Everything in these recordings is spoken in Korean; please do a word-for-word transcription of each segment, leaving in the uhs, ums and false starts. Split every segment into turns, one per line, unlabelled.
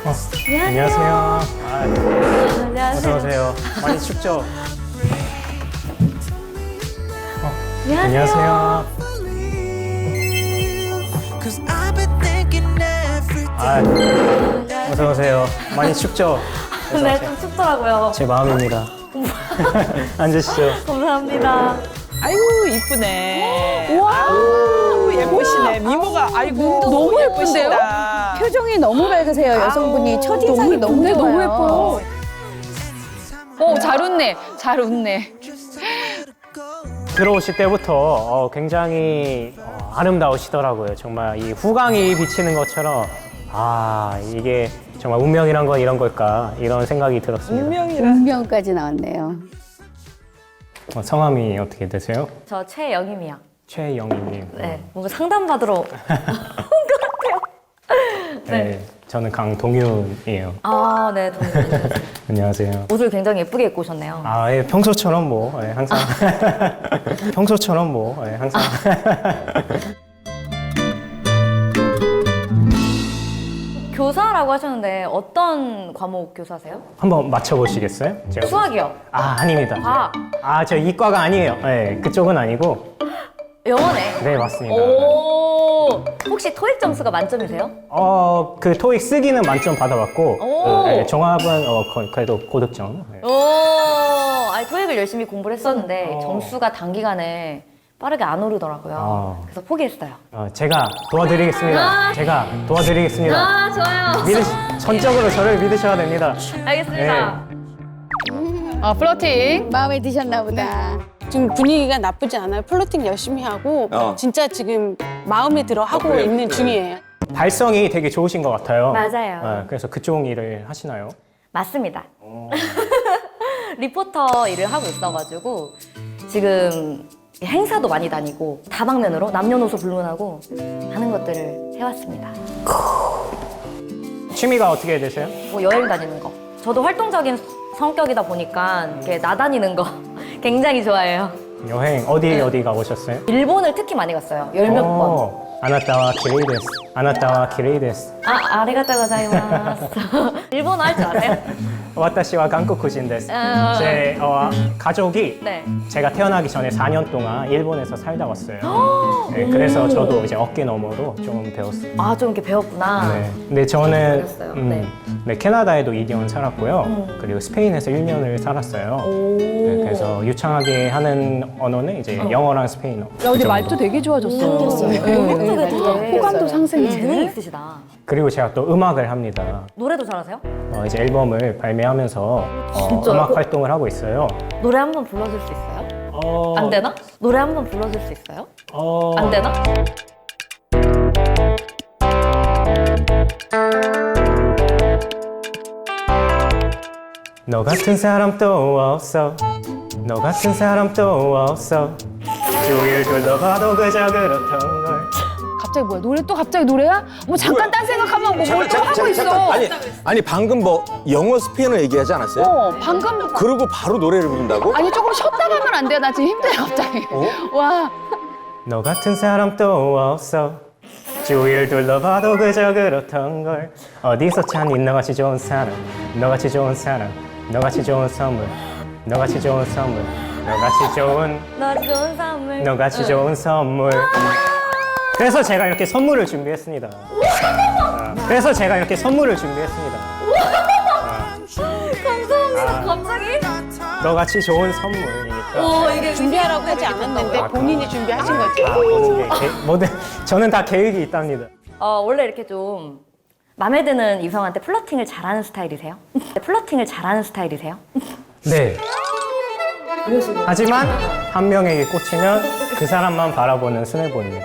어, 안녕하세요. 아,
안녕하세요.
어서 오세요. 많이 춥죠? 어,
안녕하세요.
안녕하세요. 아, 어서 오세요. 많이 춥죠? 어서
네,
오세요.
좀 춥더라고요.
제 마음입니다. 앉으시죠.
감사합니다.
아이고 이쁘네. 아우 예쁘시네. 미모가 아이고
너무 예쁜데요?
예쁘시다.
표정이 너무 밝으세요, 여성분이.
아우,
첫인상이 너무,
너무
좋아요.
너무 예뻐요.
어, 잘 웃네. 잘 웃네.
들어오실 때부터 어, 굉장히 어, 아름다우시더라고요. 정말 이 후광이 비치는 것처럼 아, 이게 정말 운명이란 건 이런 걸까 이런 생각이 들었습니다.
운명이라.
운명까지 나왔네요.
어, 성함이 어떻게 되세요?
저 최영임이요.
최영희님.
네, 뭔가 상담받으러 온 것 같아요.
네. 저는 강동윤이에요.
아, 네, 동생.
안녕하세요.
옷을 굉장히 예쁘게 입고 오셨네요.
아, 예, 평소처럼 뭐, 예, 항상. 평소처럼 뭐, 예, 항상.
교사라고 하셨는데 어떤 과목 교사세요?
한번 맞춰보시겠어요? 제가.
수학이요.
아, 아닙니다.
과학.
아, 저 이과가 아니에요. 예, 그쪽은 아니고.
영어네.
네, 맞습니다.
오. 혹시 토익 점수가 만점이세요?
어, 그 토익 쓰기는 만점 받아봤고,
오.
그, 예, 종합은 어, 거- 그래도 고득점. 예.
오. 아니, 토익을 열심히 공부를 했었는데
어.
점수가 단기간에 빠르게 안 오르더라고요.
아.
그래서 포기했어요.
어, 제가 도와드리겠습니다.
아.
제가 도와드리겠습니다.
아, 좋아요.
믿으, 전적으로 저를 믿으셔야 됩니다.
알겠습니다.
어, 플러팅. 마음에 드셨나 보다.
지금 분위기가 나쁘지 않아요. 플러팅 열심히 하고
어.
진짜 지금 마음에 들어 하고
어, 그래요?
있는
그래요.
중이에요.
발성이 되게 좋으신 것 같아요.
맞아요.
어, 그래서 그쪽 일을 하시나요?
맞습니다. 리포터 일을 하고 있어가지고 지금 행사도 많이 다니고 다방면으로 남녀노소 불문하고 하는 것들을 해왔습니다.
취미가 어떻게 되세요?
뭐 여행 다니는 거. 저도 활동적인 성격이다 보니까 이렇게 나다니는 거 굉장히 좋아해요.
여행 어디 어디 가보셨어요?
일본을 특히 많이 갔어요. 열 몇 번.
어, 아나타와 기레이 데스. 아나타와 기레이 데스.
아, 아리가또 고자이마스. 일본어 할 줄 아세요?
와타시와 한국인 데스.
아.
제 어, 가족이
네.
제가 태어나기 전에 사 년 동안 일본에서 살다 왔어요. 네, 그래서 저도 이제 어깨 너머로 좀 배웠어요.
아, 좀 이렇게 배웠구나.
네. 근데 저는
그랬어요.
음,
네.
네, 캐나다에도 이 년 살았고요.
음.
그리고 스페인에서 일 년을 살았어요.
오.
네, 그래서 유창하게 하는 언어는 이제 영어랑 스페인어.
야, 근데 말도 되게 좋아졌어요.
네. 되게
호감도 상승이
재능이
되네.
있으시다.
그리고 제가 또 음악을 합니다.
노래도 잘하세요?
어, 이제 앨범을 발매하면서 어,
진짜요?
음악 활동을 하고 있어요.
노래 한 번 불러줄 수 있어요?
어,
안 되나? 노래 한 번 불러줄 수 있어요?
어,
안 되나?
너 같은 사람 또 없어. 너 같은 사람 또 없어. 주위를 둘러봐도 그저 그렇던 걸.
갑자기 뭐야? 노래 또 갑자기 노래야? 뭐 잠깐 딴 생각하면 뭐 뭘 또 하고 있어.
아니, 아니 방금 뭐 영어 스페인어 얘기하지 않았어요?
어, 방금.
그러고 바로 노래를 부른다고?
아니, 조금 쉬었다 가면 안 돼요? 나 지금 힘들어, 갑자기. 와.
너 같은 사람 또 없어. 주위를 둘러봐도 그저 그렇던 걸. 어디서 찾니 너같이 좋은 사람. 너같이 좋은 사람. 너같이 좋은 선물. 너같이 좋은 선물. 너같이 좋은
너 좋은 선물.
너같이 좋은 선물. 그래서 제가 이렇게 선물을 준비했습니다. 아, 그래서 제가 이렇게 선물을 준비했습니다.
감사합니다. 갑자기?
너같이 좋은 선물이니까.
오, 이게
준비하라고 하지 않았는데 본인이 준비하신 거죠.
아, 모든 게 계- 모든 저는 다 계획이 있답니다.
어, 원래 이렇게 좀 마음에 드는 이성한테 플러팅을 잘하는 스타일이세요? 플러팅을 잘하는 스타일이세요?
네. 하지만 한 명에게 꽂히면 그 사람만 바라보는 스네보입니다.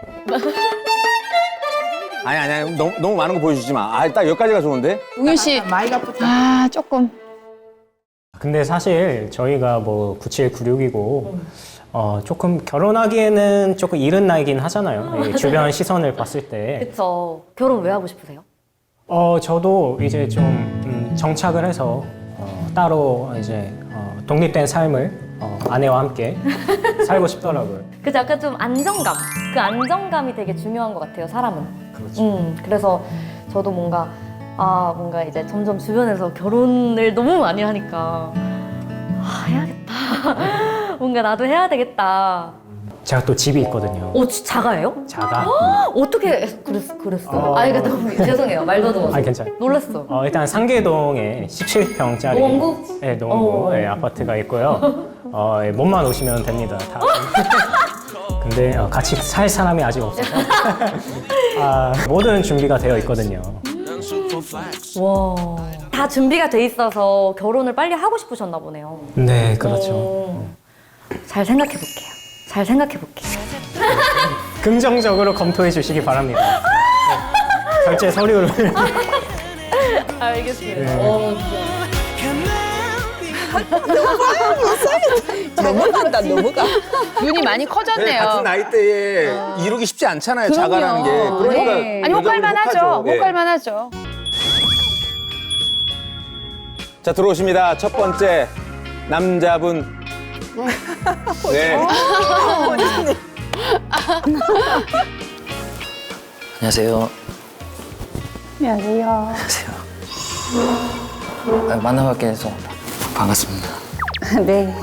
아니 아니 아니 너무, 너무 많은 거 보여주지 마. 아, 딱 여기까지가 좋은데?
동윤 씨. 아, 조금.
근데 사실 저희가 뭐 구칠구육이고 어, 조금 결혼하기에는 조금 이른 나이긴 하잖아요. 이 주변 시선을 봤을 때.
그쵸. 결혼 왜 하고 싶으세요?
어, 저도 이제 좀 음, 정착을 해서 어, 따로 이제 어, 독립된 삶을 어, 아내와 함께 살고 싶더라고요.
그죠? 약간 좀 안정감. 그 안정감이 되게 중요한 것 같아요, 사람은.
그렇죠.
음, 그래서 저도 뭔가 아 뭔가 이제 점점 주변에서 결혼을 너무 많이 하니까 아 해야겠다. 뭔가 나도 해야 되겠다.
제가 또 집이 있거든요.
어 지- 자가예요?
자가.
어떻게 그랬, 그랬어?
어.
아 이거 너무 죄송해요. 말 더듬어서.
아 괜찮아요.
놀랐어.
어, 일단 상계동에 십칠 평짜리
노원구?
네, 노원구
어.
예, 아파트가 있고요. 어, 예, 몸만 오시면 됩니다. 다. 근데 어, 같이 살 사람이 아직 없어서 아, 모든 준비가 되어 있거든요.
와. 다 준비가 돼 있어서 결혼을 빨리 하고 싶으셨나 보네요.
네, 그렇죠.
어. 잘 생각해 볼게요. 잘 생각해 볼게요.
긍정적으로 검토해 주시기 바랍니다. 네, 결제 서류를
알겠습니다.
네.
어,
넘어간다 넘어가.
눈이 많이
네,
커졌네요.
같은 나이대에 이루기 쉽지 않잖아요. 자가라는 게. 그러니까
네. 아니,
여자분이
혹할만 하죠.
혹하죠. 예.
혹할만 하죠.
자, 들어오십니다. 첫 번째 남자분. 네.
안녕하세요.
안녕하세요.
안녕하세요. 아, 만나뵙게 해서 반갑습니다.
네.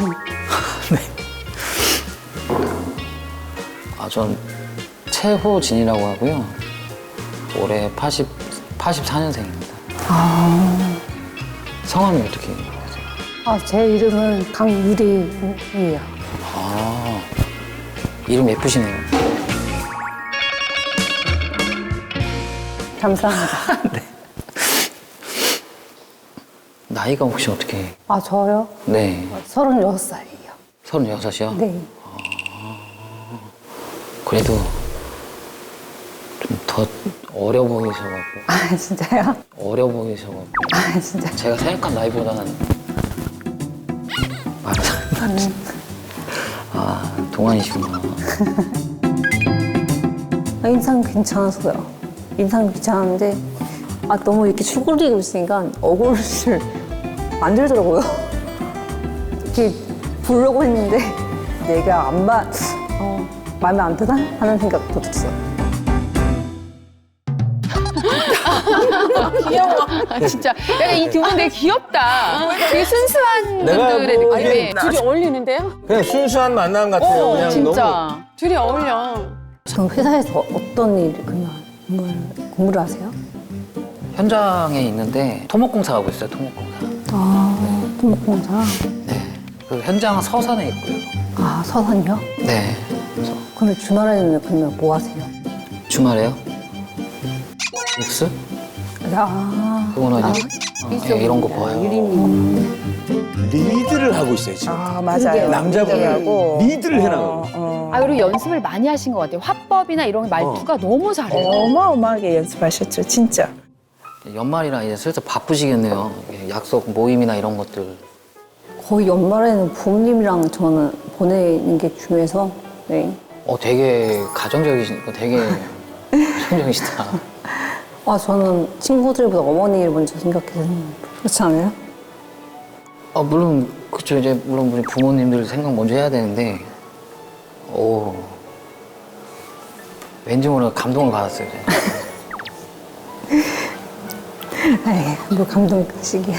아, 전 최호진이라고 하고요. 올해 팔십, 팔십사 년생입니다.
아,
성함이 어떻게 되세요?
아, 제 이름은 강유리예요.
아, 이름 예쁘시네요.
감사합니다.
나이가 혹시 어떻게?
아, 저요?
네.
서른여섯 살이에요.
서른여섯이요?
네.
그래도 좀 더 어려 보이셔가지고.
아, 진짜요?
어려 보이셔가지고.
아, 진짜.
제가 생각한 나이보다는 많이 닮았지. 아, 동안이시구나.
아, 인상 괜찮았어요. 인상 괜찮은데, 아, 너무 이렇게 쭈그리고 있으니까 얼굴을 안 들더라고요. 이렇게 보려고 했는데, 내가 안 봐, 어, 마음에 안 드나? 하는 생각도 들었어요.
아, 진짜. 약간 이 두 분 되게 귀엽다. 되게 순수한
내가
분들의
뭐
느낌이.
이게
둘이 어울리는데요?
그냥 순수한 만남 같아요.
어,
그냥
진짜.
둘이 어울려. 그럼 회사에서 어떤 일, 그냥 공부를, 공부를 하세요?
현장에 있는데 토목공사 하고 있어요. 토목공사.
아, 토목공사.
네. 그 현장은 서산에 있고요.
아, 서산이요?
네. 그래서
그러면 주말에는 그러면 뭐 하세요?
주말에요? 육수?
아,
그거는 이제 어, 예, 이런 거 봐요.
리드를 하고 있어요, 지금.
아 맞아요.
남자분이 리드를 해나가고.
아, 그리고 연습을 많이 하신 것 같아요. 화법이나 이런 말투가 너무 잘해요.
어마어마하게 연습하셨죠, 진짜.
연말이라 이제 슬슬 바쁘시겠네요. 이게 약속 모임이나 이런 것들.
거의 연말에는 부모님이랑 저는 보내는 게 중요해서, 네.
어, 되게 가정적이시니까 되게 가정적이시다.
아, 저는 친구들보다 어머니를 먼저 생각해서, 그렇지 않아요?
어, 물론 그쵸. 이제 물론 우리 부모님들 생각 먼저 해야 되는데, 오, 왠지 모르게 감동을 받았어요. 제가.
에이, 뭐 감동식이야.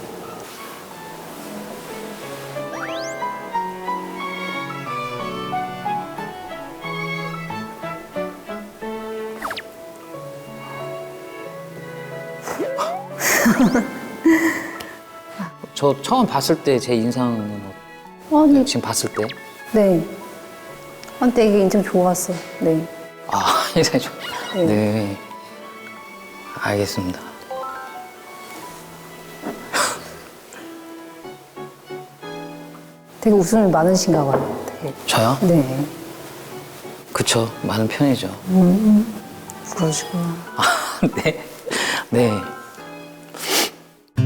저 처음 봤을 때 제 인상은 어-
아니,
지금 봤을 때?
네. 아, 되게 인상 좋았어요. 네.
아, 인상이 좋.
네.
네. 알겠습니다.
되게 웃음이 많으신가 봐요. 되게.
저요?
네.
그쵸. 많은 편이죠.
그러시구나.
아, 네. 네.